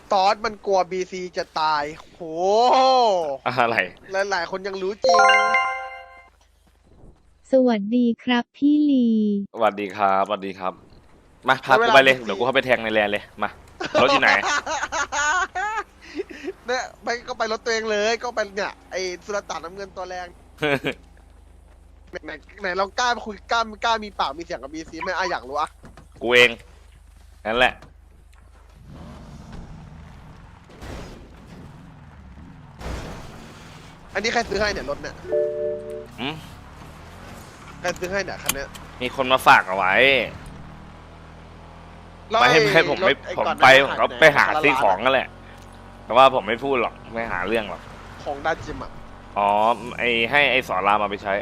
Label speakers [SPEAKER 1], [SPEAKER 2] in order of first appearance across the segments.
[SPEAKER 1] ตอสมันกลัวบีซีจะตายโห
[SPEAKER 2] อะไร
[SPEAKER 1] หลายๆคนยังรู้จริง
[SPEAKER 3] สวัสดีครับพี่ลี
[SPEAKER 2] สวัสดีครับสวัสดีครับมาพา
[SPEAKER 1] แล้วเว
[SPEAKER 2] กูไปเลย
[SPEAKER 1] ลาบีซี
[SPEAKER 2] เดี๋ยวกูเข้าไปแทงในแลนเลยมารถอยู่ไหน
[SPEAKER 1] เนี่ยไปก็ไปรถตัวเองเลยก็ไปเนี่ยไอ้สุลต่านน้ำเงินตัวแรงไหนเรากล้าคุยกล้ามีปากมีเสียงกับบีซีไหมอยากรู้อะ
[SPEAKER 2] กูเองนั่นแหละ
[SPEAKER 1] อันนี้ใครซื้อให้เนี่ยรถเนี่ย
[SPEAKER 2] อืม
[SPEAKER 1] ใครซื้อให้เนี่ยคันเนี้ย
[SPEAKER 2] มีคนมาฝากเอาไว้
[SPEAKER 1] แล้ว
[SPEAKER 2] ไม่
[SPEAKER 1] อ้
[SPEAKER 2] ให้ผม
[SPEAKER 1] ร
[SPEAKER 2] ไม่
[SPEAKER 1] ถอ้
[SPEAKER 2] ผม
[SPEAKER 1] ก่อนห
[SPEAKER 2] ไป
[SPEAKER 1] น้า
[SPEAKER 2] ผมก็
[SPEAKER 1] หาย
[SPEAKER 2] ไปหา
[SPEAKER 1] ไหน
[SPEAKER 2] ซื้อของ
[SPEAKER 1] ร้าน
[SPEAKER 2] นั่นแหละ แต่ว่าผมไม่พูดหรอกไม่หาเรื่องหรอก
[SPEAKER 1] ของด้านจิมอะ
[SPEAKER 2] อ๋อให้ไอ้สอนรามมาไปใช้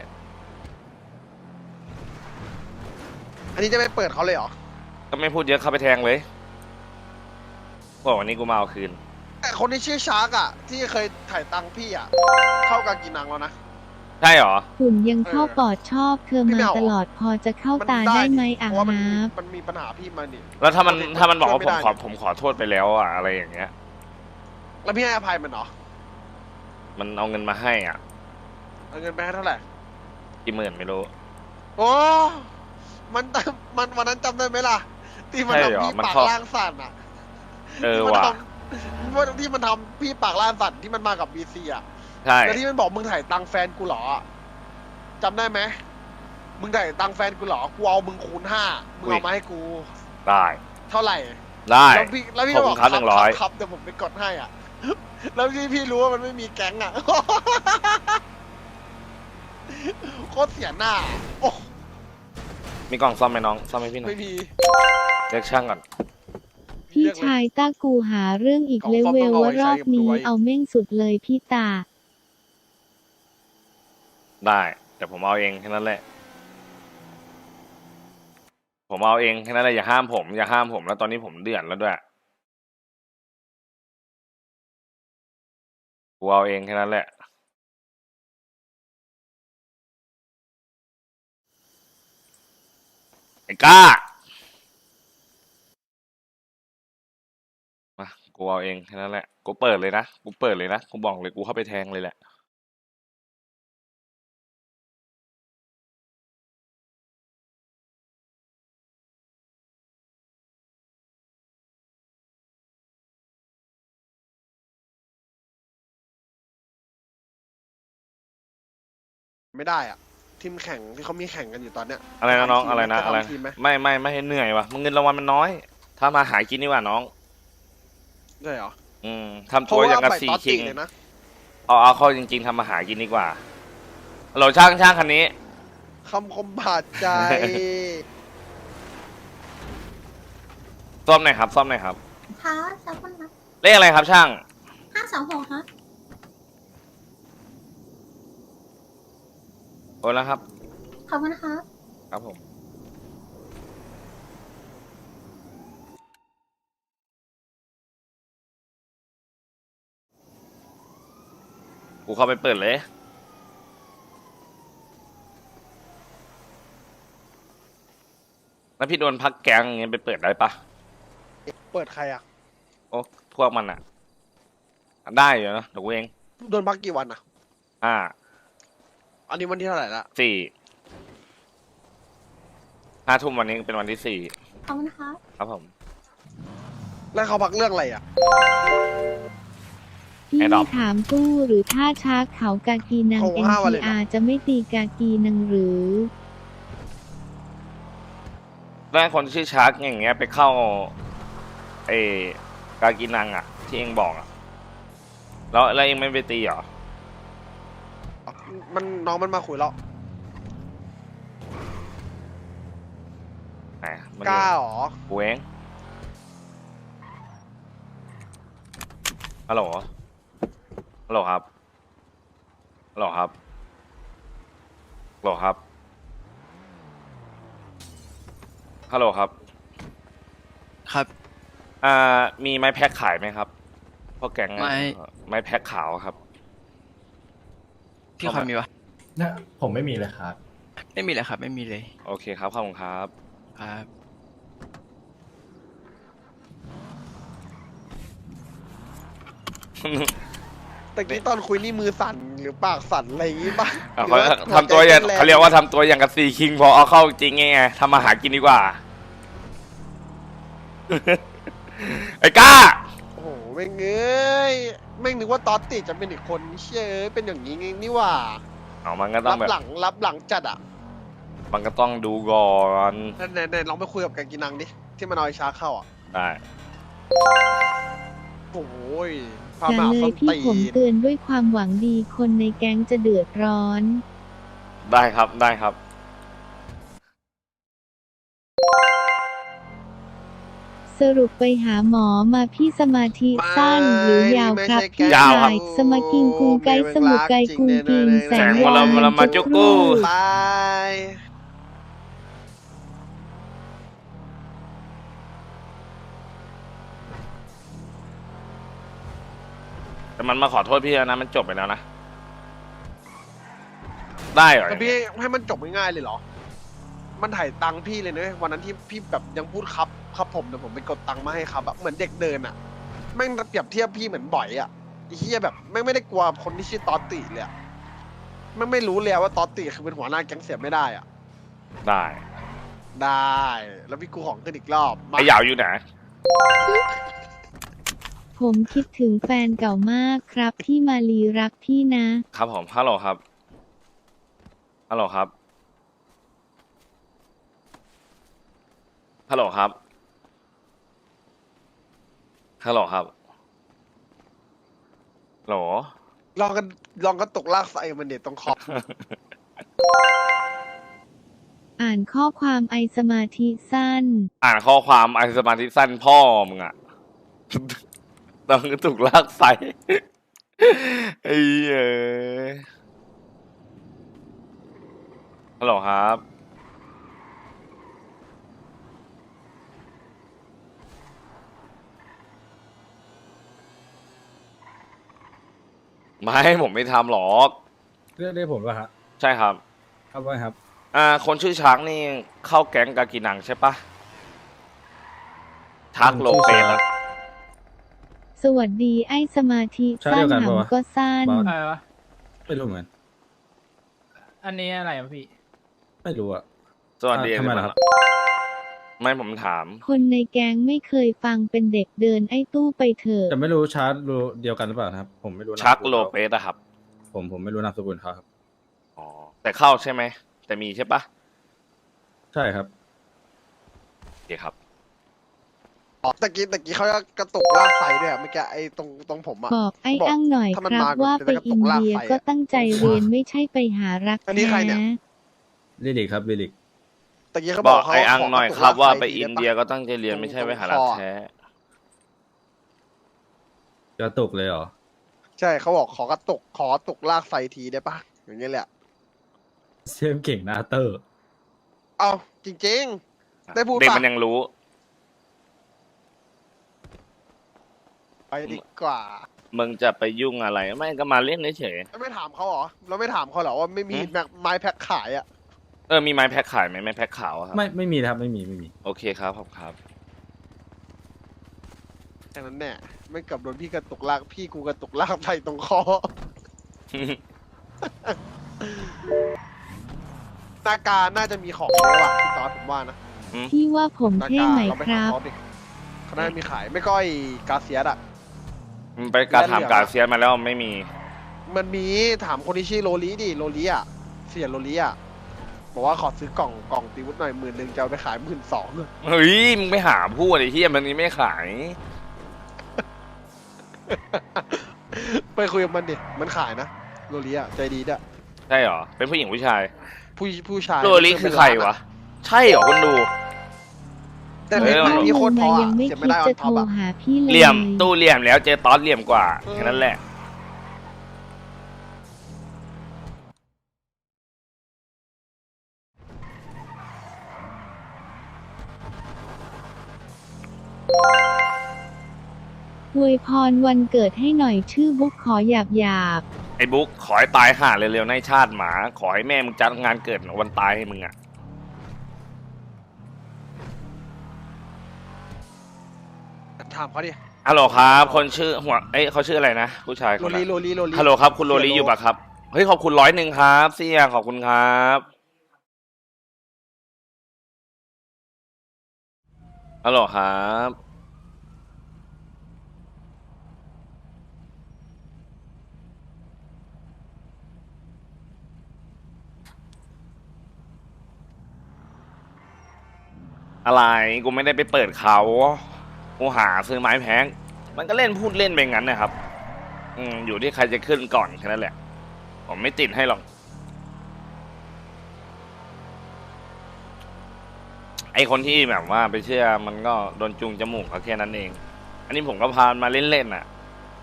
[SPEAKER 1] อันนี้จะไม่เปิดเขาเลยเหรอ
[SPEAKER 2] ก็ไม่พูดเยอะเข้าไปแทงเลยบอกวันนี้กูมาเอาคืน
[SPEAKER 1] แต่คนที่ชื่อชาร์กอะที่เคยถ่ายตังค์พี่อะเข้ากากินังแล้วนะ
[SPEAKER 2] ใช่เหรอ
[SPEAKER 3] หุ่นยังเข้าปอดชอบเธอ
[SPEAKER 1] พี่
[SPEAKER 3] มา
[SPEAKER 1] ไม่เอา
[SPEAKER 3] ตลอดพอจะเข้า
[SPEAKER 1] มัน
[SPEAKER 3] ตาได้ไหม
[SPEAKER 1] เพ
[SPEAKER 3] อ่ะ
[SPEAKER 1] ราะว่ามัน
[SPEAKER 3] ฮ
[SPEAKER 1] มี
[SPEAKER 3] าบ
[SPEAKER 1] มันมีปัญหาพี่มานี่
[SPEAKER 2] แล้วถ้ามันบอกว่า
[SPEAKER 1] ช่วยไม่ได้
[SPEAKER 2] ผมขอโทษไปแล้วอะอะไรอย่างเงี้ย
[SPEAKER 1] แล้วพี่ให้อภัยมันเหรอ
[SPEAKER 2] มันเอาเงินมาให้อ่ะ
[SPEAKER 1] เอาเงินไปให้เท่าไหร่
[SPEAKER 2] กี่หมื่นไม่รู้
[SPEAKER 1] โอ้มันวันนั้นจำได้ไหมล่ะ ที่มัน
[SPEAKER 2] ใช่เหรอ
[SPEAKER 1] ทำพี่
[SPEAKER 2] มัน
[SPEAKER 1] ปาก
[SPEAKER 2] เข้า
[SPEAKER 1] ล่างสั่นอ่ะ
[SPEAKER 2] เออ
[SPEAKER 1] ที่มัน
[SPEAKER 2] ว่ะ
[SPEAKER 1] ทำที่มันทำพี่ปากล่างสั่นที่มันมากับบีซีอ่ะ
[SPEAKER 2] ใช่
[SPEAKER 1] แล้วที่มันบอกมึงถ่ายตังค์แฟนกูเหรอจำได้ไหมมึงถ่ายตังค์แฟนกูเหรอกูเอามึงคูณ5มึงเอามาให้กู
[SPEAKER 2] ได้
[SPEAKER 1] เท่าไหร่
[SPEAKER 2] ได้
[SPEAKER 1] แล้วพี่
[SPEAKER 2] ขอบ
[SPEAKER 1] ก็
[SPEAKER 2] คุ
[SPEAKER 1] บ
[SPEAKER 2] ณ
[SPEAKER 1] อก
[SPEAKER 2] ครับ
[SPEAKER 1] ครับ
[SPEAKER 2] 100
[SPEAKER 1] ครับเดี๋ยวผมไปกดให้อ่ะ แล้วพี่รู้ว่ามันไม่มีแก๊งอ่ะ โคตรเสียหน้า โอ้
[SPEAKER 2] มีกล่องซ่อมไหมน้องซ่อมให้พี่หน่อ
[SPEAKER 1] ไม่
[SPEAKER 2] ย
[SPEAKER 1] มี
[SPEAKER 2] เรียกช่างก่อน
[SPEAKER 3] พี่
[SPEAKER 1] เลือกเลย
[SPEAKER 3] ชายต้ากูหาเรื่องอีก
[SPEAKER 1] ของ
[SPEAKER 3] เล
[SPEAKER 1] ซ่อม
[SPEAKER 3] เว
[SPEAKER 1] ต้อง
[SPEAKER 3] ล
[SPEAKER 1] เอาไว้
[SPEAKER 3] ว่ารอบ
[SPEAKER 1] ใช้กับ
[SPEAKER 3] นี้
[SPEAKER 1] ตัว
[SPEAKER 3] เอาเม่งสุดเลยพี่ตา
[SPEAKER 2] ได้แต่ผมเอาเองแค่นั้นแหละ ผมเอาเองแค่นั้นแหละอย่าห้ามผมอย่าห้ามผมแล้วตอนนี้ผมเดือดแล้วด้วยกูเอาเองแค่นั้นแหละไอ้ก้ามากูเอาเองแค่นั้นแหละกูเปิดเลยนะกูเปิดเลยนะกูบอกเลยกูเข้าไปแทงเลยแหละ
[SPEAKER 1] ไม่ได้อ่ะ ทีมแข่งที่เขามีแข่งกันอยู่ตอนเนี้ย
[SPEAKER 2] อะไรนะน้อง
[SPEAKER 1] ทำทีม
[SPEAKER 2] อะไรนะ
[SPEAKER 1] จ
[SPEAKER 2] อะไร
[SPEAKER 1] ทำทีมไหม
[SPEAKER 2] ไม่ให้เหนื่อยว่ะมึงเงินรางวัลมันน้อยถ้ามาหากินดีกว่าน้อง
[SPEAKER 1] ใช่เหรอ
[SPEAKER 2] ทำตัวอย่างกับ
[SPEAKER 1] ไป
[SPEAKER 2] ซี
[SPEAKER 1] ตอส
[SPEAKER 2] คิ
[SPEAKER 1] ติ
[SPEAKER 2] ง
[SPEAKER 1] เลยนะ
[SPEAKER 2] เอาเข้าจริงๆทำมาหากินดีกว่าฮัลโหลช่างคันนี้
[SPEAKER 1] คำคมบาดใจ
[SPEAKER 2] ซ่อมหน่อยครับซ่อมหน่อยครับ
[SPEAKER 4] ค่ะสักคนนะ
[SPEAKER 2] เลขอะไรครับช่าง
[SPEAKER 4] 526ค่ะ
[SPEAKER 2] โอนแล้วครับ
[SPEAKER 4] ขอบคุณค่ะ
[SPEAKER 2] ครับผมกูเข้าไปเปิดเลยแล้วพี่โดนพักแกงอย่างเงี้ยไปเปิดได้ปะ
[SPEAKER 1] เปิดใครอ่ะ
[SPEAKER 2] โอ้พวกมันอะได้อยู่นะเดี๋ยวกูเอง
[SPEAKER 1] โดนพักกี่วันอ่ะ
[SPEAKER 2] ห้า
[SPEAKER 1] อันนี้วันที่เท่าไหร่ละ
[SPEAKER 2] สี่5 ทุ่มวันนี้เป็นวันที่สี่
[SPEAKER 4] ขอบคุณค่ะ
[SPEAKER 2] ครับผม
[SPEAKER 1] แล้วเขาพักเรื่องอะไรอ่ะ
[SPEAKER 3] พี่
[SPEAKER 2] ไอ้ดอก
[SPEAKER 3] ถามกู้หรือถ้าช้าเขากากีนัง
[SPEAKER 1] โอ้5วันเลยเหรอ
[SPEAKER 3] NTR จะไม่ตีกากีนังหรือ
[SPEAKER 2] แล้วคนชื่อชาร์กอย่างเงี้ยไปเข้าไอ้กากินังอะที่เองบอกอะแล้วเองไม่ไปตีเหรอ
[SPEAKER 1] มันน้องมันมาคุยแล้ว
[SPEAKER 2] ไหนมัน
[SPEAKER 1] กล้าเหรอ
[SPEAKER 2] กูเองฮัลโหลฮัลโหลครับฮัลโหลครับฮัลโหลครับฮัลโหลครับ
[SPEAKER 5] ครับ
[SPEAKER 2] มีไม้แพ็คขายไหมครับพวกแกง ไม้แพ็คขาวครับ
[SPEAKER 5] พี่คอยมีปะ
[SPEAKER 6] นะผมไม่มีเลยครับ
[SPEAKER 5] ไม่มีเลยครับ ไม่มีเลย
[SPEAKER 2] โอเคครับขอบคุณครับ
[SPEAKER 5] ครับ
[SPEAKER 1] ตะกี้ตอนคุยนี่มือสั่นหรือปากสั่นอะไรอย่างงี้ป่ะ
[SPEAKER 2] อ่ะ
[SPEAKER 1] หรือ
[SPEAKER 2] เขาทำตัวอย่างเขาเรียกว่าทำตัวอย่างกับซีคิงพอเอาเข้าจริงไงทำมาหากินดีกว่า ไอ้ก้า
[SPEAKER 1] โอ้โหแม่งเอ้ยแม่งนึกว่าตอตติจะเป็นอีกคนเชื่อเป็นอย่างนี้ไงนี่หว่า
[SPEAKER 2] เอามันก็ต้อง
[SPEAKER 1] รับ
[SPEAKER 2] แบบ
[SPEAKER 1] หลังจัดอ่ะ
[SPEAKER 2] มันก็ต้องดูก่อน
[SPEAKER 1] ไหนลองไปคุยกับแกงกินังดิที่มันเอาไอ้ชาเข้าอ่ะ
[SPEAKER 2] ได้
[SPEAKER 1] โอ้ยพา
[SPEAKER 3] อย่า
[SPEAKER 1] มา
[SPEAKER 3] เล
[SPEAKER 1] ส้
[SPEAKER 3] ย
[SPEAKER 1] น
[SPEAKER 3] พี่
[SPEAKER 1] ตี
[SPEAKER 3] ผม
[SPEAKER 1] น
[SPEAKER 3] เตือนด้วยความหวังดีคนในแก๊งจะเดือดร้อน
[SPEAKER 2] ได้ครับได้ครับ
[SPEAKER 3] สรุปไปหาหมอมาพี่สมาธิสั้นหรือยาวครับพี่
[SPEAKER 2] ยาวครับ
[SPEAKER 3] ชายสมากิงกุงไกสมุไกกุงกิงแสง
[SPEAKER 2] วรวรมาจุกกู้
[SPEAKER 1] บาย
[SPEAKER 2] แต่มันมาขอโทษพี่แล้วนะมันจบไปแล้วนะ ได้เหรอ
[SPEAKER 1] แต่พี่ให้มันจบง่ายๆเลยเหรอ มันถ่ายตังค์พี่เลยนะวันนั้นที่พี่แบบยังพูดครับผมเดี๋ยวผมไปกดตังค์มาให้ครับอะเหมือนเด็กเดินอะแม่งเปรียบเทียบพี่เหมือนบ่อยอะไอ้เหี้ยแบบแม่งไม่ได้กลัวคนที่ชื่อตอตติเลยอะแม่งไม่รู้เลยว่าตอตติคือเป็นหัวหน้าแก๊งเสียไม่ได้อะ
[SPEAKER 2] ได้
[SPEAKER 1] ได้ แล้วพี่กูของขึ้นอีกรอบมา
[SPEAKER 2] ไอ้ยาวอยู่ไหน
[SPEAKER 3] ผมคิดถึงแฟนเก่ามากครับที่มาลีรักพี่นะ
[SPEAKER 2] ครับผมฮัลโหลครับฮัลโหลครับฮัลโหลครับฮัลโหลครับฮัลโหล
[SPEAKER 1] ลองกันตกลากใส่มันเด็ดตรงขอบ
[SPEAKER 3] อ่านข้อความไอสมาธิสั้น
[SPEAKER 2] อ่านข้อความไอสมาธิสั้นพ่อมึงอะ ต้องถูกลากใส่ ไอ้เอ้ยฮัลโหลครับ ไม่ผมไม่ทำหรอก
[SPEAKER 6] เรียกผมว่าฮะ
[SPEAKER 2] ใช่ครับ
[SPEAKER 6] ครับว่าครับ
[SPEAKER 2] คนชื่อช้างนี่เข้าแก๊งกากีนังใช่ปะชักโลเปสอะ
[SPEAKER 3] สวัสดีไอสมาธิสั้นหำก็สั้น
[SPEAKER 7] อะไรวะ
[SPEAKER 6] ไม่รู้เหมือนกัน
[SPEAKER 7] อันนี้อะไรอ่ะพี่
[SPEAKER 6] ไม่รู้อะ
[SPEAKER 2] สวัสดี
[SPEAKER 6] ทำไมล่ะครับ
[SPEAKER 2] ไม่ผมถาม
[SPEAKER 3] คนในแก๊งไม่เคยฟังเป็นเด็กเดินไอ้ตู้ไปเถอะ
[SPEAKER 6] แต่ไม่รู้ชาร์จรู้เดียวกันหรือเปล่านะครับ ผมไม่รู้นาม
[SPEAKER 2] ชัก
[SPEAKER 6] สกุ
[SPEAKER 2] โล
[SPEAKER 6] เขา
[SPEAKER 2] เปสอะครับ
[SPEAKER 6] ผมไม่รู้นามสกุลเขาครับ
[SPEAKER 2] อ๋อแต่เข้าใช่ไหมแต่มีใช่ปะ
[SPEAKER 6] ใช่ครับ
[SPEAKER 2] โอเคครับ
[SPEAKER 1] ตะกี้เขากระตุกลากใส่ด้วยอะเมื่อกี้ไอ้ตรงผมอะ
[SPEAKER 3] บอกไอ้อั้งหน่อย
[SPEAKER 1] ถ้า
[SPEAKER 3] ค
[SPEAKER 1] มัน
[SPEAKER 3] รับ
[SPEAKER 1] มา
[SPEAKER 3] ว่า
[SPEAKER 1] จะ
[SPEAKER 3] ไป
[SPEAKER 1] กระตุ
[SPEAKER 3] อิ
[SPEAKER 1] ก
[SPEAKER 3] น
[SPEAKER 1] ลาก
[SPEAKER 3] เดีย
[SPEAKER 1] ไฟอะ
[SPEAKER 3] ก็ตั้งใจเรียนไม่ใช่ไปหารัก
[SPEAKER 1] อันนี้ใครเนี่ย
[SPEAKER 3] แท้
[SPEAKER 6] ลิลิกครับลิลิก
[SPEAKER 1] ตะกี้เขา
[SPEAKER 2] บบ อ
[SPEAKER 1] อก กเขา
[SPEAKER 2] ไอ้อัง
[SPEAKER 1] ข
[SPEAKER 2] หน่อย
[SPEAKER 1] กระตุก
[SPEAKER 2] ครับ
[SPEAKER 1] ลก
[SPEAKER 2] ว่า
[SPEAKER 1] ฟ
[SPEAKER 2] ไป
[SPEAKER 1] ที
[SPEAKER 2] อิน
[SPEAKER 1] ด้ปะ
[SPEAKER 2] เดียก็ตั้งใจเรียนไม่ใช่ไปหารักแท้
[SPEAKER 6] กระตุกเลยเหรอ
[SPEAKER 1] ใช่เขาบอกขอกระตุกลากไฟทีได้ปะอย่างเงี้ยแหละ
[SPEAKER 6] เซมเก่งนาเตอร์
[SPEAKER 1] เอาจริง ๆ ได้พูด
[SPEAKER 2] เด็ก
[SPEAKER 1] ปะ
[SPEAKER 2] มันยังรู้
[SPEAKER 1] ไปดีกว่า
[SPEAKER 2] มึงจะไปยุ่งอะไรไม่ก็มาเล่นเฉย
[SPEAKER 1] ไม่ถามเขาเหรอเราไม่ถามเขาเหรอว่าไม่มีไม้แพ็คขายอะ
[SPEAKER 2] มีไม้แพ็คขายไหมไม้แพ็คขาวอะครับ
[SPEAKER 6] ไม่มีนะครับไม่มี
[SPEAKER 2] โอเคครับขอบครับ
[SPEAKER 1] แค่นั้นแน่ไม่เกับโดนพี่กระตุกลากพี่กูกระตุกลากไฟตรงคอ หน้ากาน่าจะมีของเยอะว่ะพี่ตอดผมว่านะ
[SPEAKER 3] ที่ว่าผม
[SPEAKER 1] หน้า
[SPEAKER 3] เท่
[SPEAKER 1] กา
[SPEAKER 3] ไหม
[SPEAKER 1] เราไป
[SPEAKER 3] ค
[SPEAKER 1] หา
[SPEAKER 3] รับ
[SPEAKER 1] เขาดิเขาน่าจะมีขายไม่ก็ไอ้กาเซียสอะ
[SPEAKER 2] มึงไปการถามการเซียนมาแล้วไม่มี
[SPEAKER 1] มันมีถามคนที่ชื่อโรลีดิโรลีอะเสียโรลีอะบอกว่าขอซื้อกล่องตีวุฒหน่อย10,000จะเอาไปขาย12,000
[SPEAKER 2] เฮ้ยมึงไปหาพูดไอ้เหี้ยมันนี้ไม่ขาย
[SPEAKER 1] ไปคุยกับมันดิมันขายนะโรลีอะใจดีด้วย
[SPEAKER 2] ใช่เหรอเป็นผู้หญิงผู้ชาย
[SPEAKER 1] ผู้ชาย
[SPEAKER 2] โรลิคือใครวะใช่เหรอคนดู
[SPEAKER 1] แต่
[SPEAKER 2] เอ
[SPEAKER 1] เล่น
[SPEAKER 2] อ
[SPEAKER 1] มันพี่โคตรพอ
[SPEAKER 3] ยั
[SPEAKER 1] อะ
[SPEAKER 3] งไม่
[SPEAKER 1] เสีย
[SPEAKER 3] คิ
[SPEAKER 1] ไม่
[SPEAKER 3] ด
[SPEAKER 1] ได้ออ
[SPEAKER 3] จะ
[SPEAKER 1] น
[SPEAKER 3] โท
[SPEAKER 1] ท็อป
[SPEAKER 3] ร
[SPEAKER 1] อะ
[SPEAKER 3] หาพี่เลย
[SPEAKER 2] เหลี่ยมตู้เหลี่ยมแล้วเจอตอสเหลี่ยมกว่าแค่นั้นแหละ
[SPEAKER 3] อวยพรวันเกิดให้หน่อยชื่อบุ๊กขอหยาบหยาบ
[SPEAKER 2] ไอ้บุ๊กขอให้ตายห่าเร็วๆในชาติหมา ขอให้แม่มึงจัดงานเกิดวันตายให้มึงอ่ะ
[SPEAKER 1] ถามเขาดิ
[SPEAKER 2] ฮัลโหลครับ คนชื่อหัวเขาชื่ออะไรนะผู้ชายค
[SPEAKER 1] โร
[SPEAKER 2] น
[SPEAKER 1] ลี
[SPEAKER 2] นั้น
[SPEAKER 1] โรลีโรลี
[SPEAKER 2] ฮัลโหลครับคุณโรลีอยู่ปะครับเฮ้ยขอบคุณ100ครับเสี่ยขอบคุณครับฮัลโหลครับอะไรกูไม่ได้ไปเปิดเขากูหาซื้อไม้แพงมันก็เล่นพูดเล่นไปงั้นนะครับอยู่ที่ใครจะขึ้นก่อนแค่นั้นแหละผมไม่ติดให้หรอกไอคนที่แบบว่าไปเชื่อมันก็โดนจูงจมูกเขาแค่นั้นเองอันนี้ผมก็พามาเล่นๆน่ะ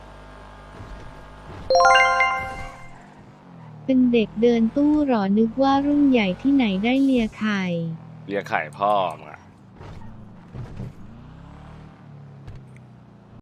[SPEAKER 3] เป็นเด็กเดินตู้หรอนึกว่ารุ่นใหญ่ที่ไหนได้เลียไข่
[SPEAKER 2] เรียกไข่พ่อมึงอะ